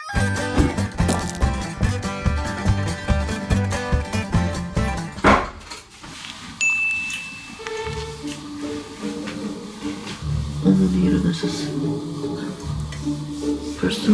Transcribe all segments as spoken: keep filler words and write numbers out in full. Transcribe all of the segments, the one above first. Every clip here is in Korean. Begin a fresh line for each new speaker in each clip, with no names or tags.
어머니 일어나셨어. 벌써?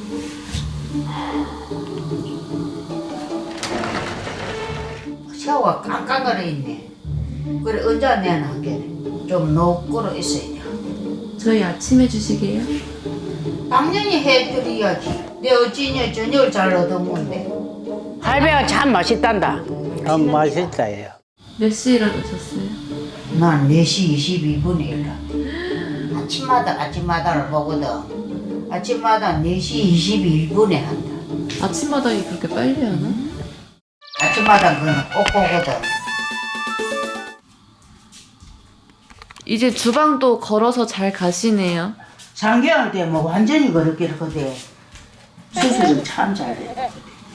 샤워가 깡깡거려 있네. 그래 언제 내나 하게 좀 녹고로 있어야 돼.
저희 아침 해주시게요?
당연히 해드려야지. 내 어찌냐 저녁을 잘 얻어먹는데. 할배가 참 맛있단다.
아, 맛있다, 요.
몇 시에 일어나셨어요?
난 네 시 이십이 분에 일어나. 아침마다 아침마다를 보거든. 아침마다 네 시 이십일 분에 한다.
아침마당이 그렇게 빨리 하나?
아침마다 그는 꼭 보거든.
이제 주방도 걸어서 잘 가시네요.
상경할 때 뭐 완전히 그렇게 하거든. 수술은 참 잘해.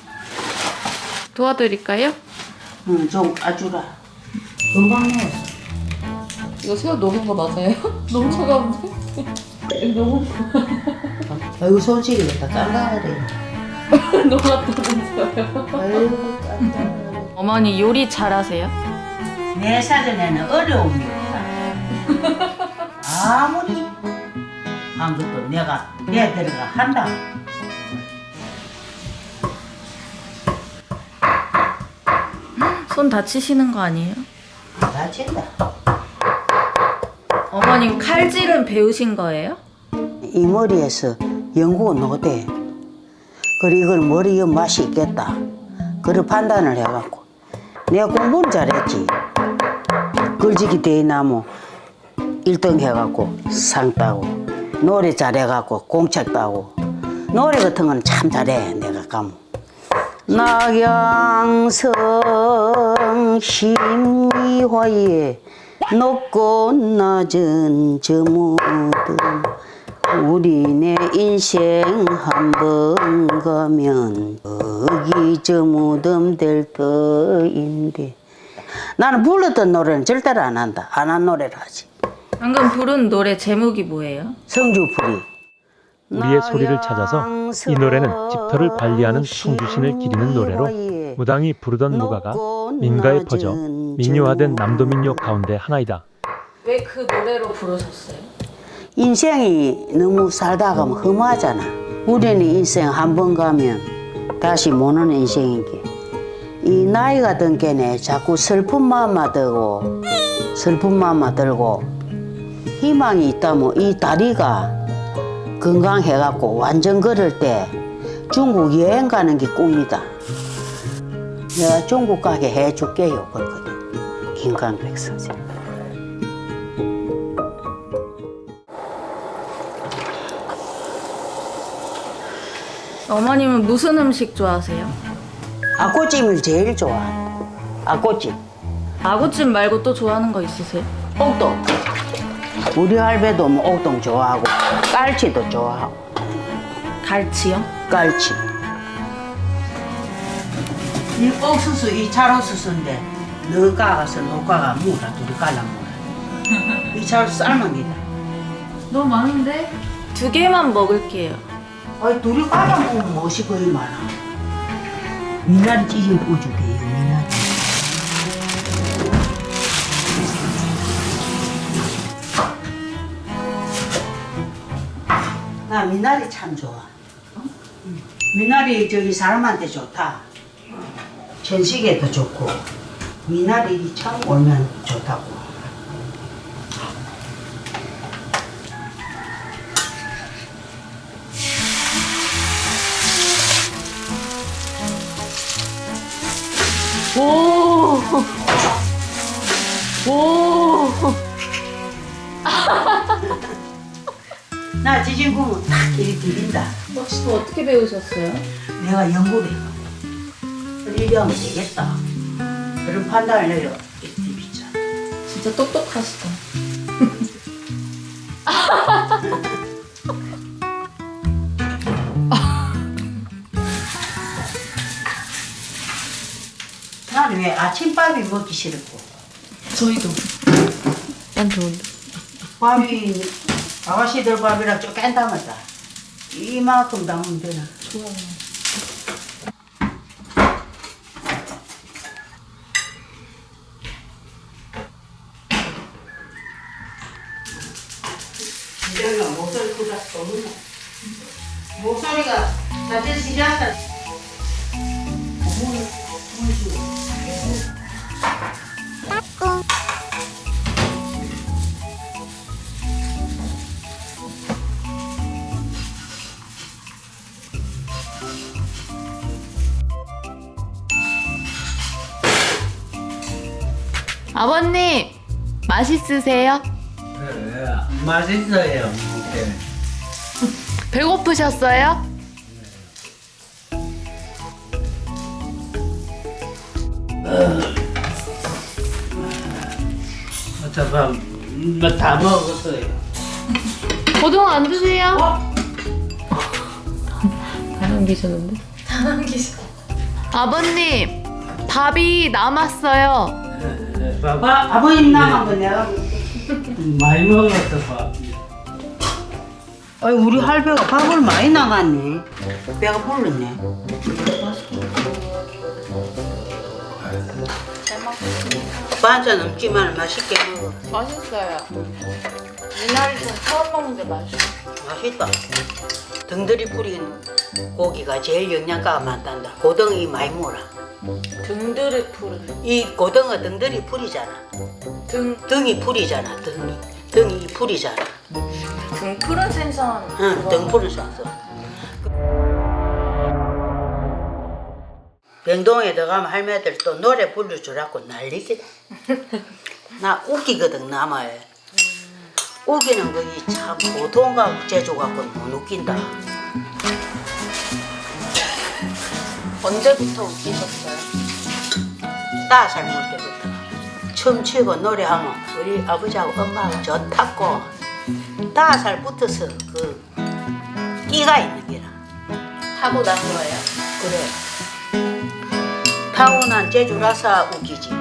도와드릴까요?
응, 좀 까주라. 금방 넣었어.
이거 새우 녹은 거 맞아요? 너무 차가운데? 너무
아이고 손질이 다 깐깐하래.
녹았다면서요?
아이고 깐깐하래.
어머니 요리 잘하세요?
내 사전에는 어려움이 없다. 아무리 한 것도 내가 내 들어가 한다.
손 다치시는 거 아니에요?
안 다친다.
어머님 칼질은 배우신 거예요?
이 머리에서 연구가 노대. 그리고 이걸 머리에 맛이 있겠다. 그걸 판단을 해갖고 내가 공부를 잘했지. 글지기 대나무 일 등 해갖고 상 따고 노래 잘해갖고 공책 따고 노래 같은 거는 참 잘해 내가 가면. 낙양성 심리화에 높고 낮은 저 무덤 우리 내 인생 한 번 가면 거기 저 무덤 될 터인데. 나는 불렀던 노래는 절대로 안 한다. 안 한 노래를 하지.
방금 부른 노래 제목이 뭐예요?
성주풀이.
우리의 소리를 찾아서 이 노래는 집터를 관리하는 성주신을 기리는 노래로 무당이 부르던 무가가 민가에 퍼져 민요화된 남도 민요 가운데 하나이다.
왜 그 노래로 부르셨어요?
인생이 너무 살다 가면 험하잖아. 우리는 인생 한 번 가면 다시 못 오는 인생인 게. 이 나이가 든 게네 자꾸 슬픈 마음만 들고 슬픈 마음만 들고 희망이 있다면 이 다리가 건강해갖고 완전 걸을 때 중국 여행 가는 게 꿈이다. 내가 중국 가게 해줄게요 그러거든. 김강백 선생님.
어머님은 무슨 음식 좋아하세요?
아꼬찜을 제일 좋아한다. 아꼬찜.
아구찜 말고 또 좋아하는 거 있으세요?
옥동. 우리 할배도 뭐 옥동 좋아하고 깔치도 좋아하고.
갈치요?
깔치.
이 옥수수 이 찰옥수수인데 너 가가서 녹아가 무라 둘이 갈라 무라. 이 찰옥수수 삶은 기다.
너무 많은데? 두 개만 먹을게요.
아이 둘이 갈라 먹으면 무엇이 거의 많아. 미나리 찌짐 구워줄게요. 미나리. 나 미나리 참 좋아. 미나리 저기 사람한테 좋다. 전식에도 좋고 미나리 참 올면 좋다고.
오! 오!
나 지진 구면 딱 이렇게 비린다.
혹시 또 어떻게 배우셨어요?
내가 연구를 해가. 이리 하면 되겠다. 그런 판단을 내려. 이렇게 비자.
진짜 똑똑하시다.
난 왜 아침밥이 먹기 싫고
저희도. 난 좋은데.
밥이 아가씨들 밥이랑 좀 깬다마다 이만큼 담으면 되나. 이제는 목소리 크다 떠오르네. 목소리가 자체 시작한.
아버님 맛있으세요?
네, 맛있어요. 이렇게.
배고프셨어요?
잠깐, 뭐다 먹었어요.
고등어 안 드세요? 다 남기셨는데? 아버님 밥이 남았어요.
밥
아버님 남은 거 내가
많이 먹었어, 밥.
아이 우리 할배가 밥을 많이 나갔네. 배가 불렀네. 반찬 없지만 맛있게 먹어.
맛있어요. 미나리 좀 처음 먹는데 맛있어.
맛있다. 등들이 뿌린 고기가 제일 영양가가 많단다. 고등이 많이 먹어라.
등들이 푸른
이 고등어 등들이 풀이잖아.
등,
등이 풀이잖아. 등이 등이 풀이잖아.
등 푸른 생선.
응, 등 풀은 산소. 병동에 들어가면 할매들 또 노래 불러주라고 난리기다. 나 웃기거든 남아요. 웃기는 거이 참 보통과 제주 갖고 못 웃긴다.
언제부터 웃기셨어요?
따살 먹을 때부터 춤추고 노래하면 우리 아버지하고 엄마하고 좋다고 따살 붙어서 그 끼가 있는 게라.
하고 난 거예요?
그래. 타고난 제주라서 웃기지.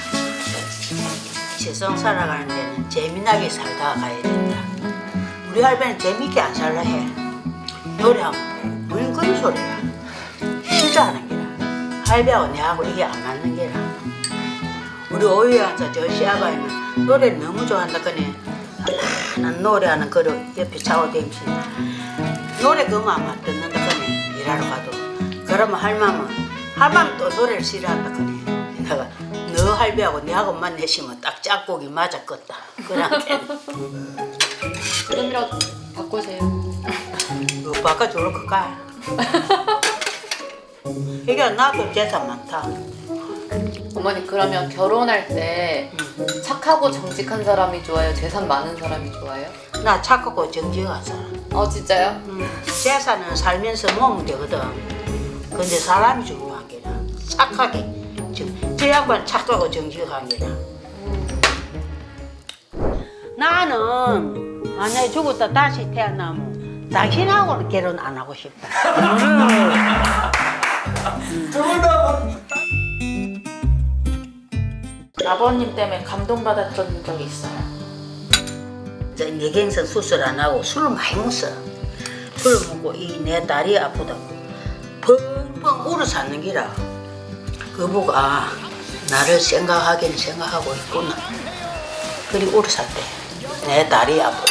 세상 살아가는 데는 재미나게 살다 가야 된다. 우리 할배는 재밌게 안 살라 해. 노래하면 무슨 그런 소리야. 싫어하는 게라. 할배하고 내하고 이게 안 맞는 게라. 우리 오유에 앉아 저 시아바이는 노래를 너무 좋아한다 그네. 난 노래하는 거를 옆에 차오대면서 노래 그만 듣는다 그네. 일하러 가도. 그러면 할맘은 할맘 또 노래를 싫어한다 그네. 내가 너 할배하고 내하고만 내시면 딱 짝꿍이 맞았겠다. 그런데
지금이라도 바꾸세요.
너 바꿔줄 거까? 이게 나도 재산 많다.
어머니 그러면 결혼할 때 착하고 정직한 사람이 좋아요? 재산 많은 사람이 좋아요?
나 착하고 정직한 사람.
어 진짜요?
음, 재산은 살면서 모으면 되거든. 근데 사람이 중요한 게라. 착하게. 저, 저 양반 착하고 정직한 게라. 나는 만약에 죽었다 다시 태어나면 당신하고는 결혼 안 하고 싶다.
아버님 때문에 감동받았던 적이 있어요?
저 뇌경색 수술 안 하고 술을 많이 먹었어. 술을 먹고 이 내 다리 아프다고 펑펑 울어 샀는 기라. 그 보고 아 나를 생각하긴 생각하고 있구나. 그리 울어 샀대. 내 다리 아프다.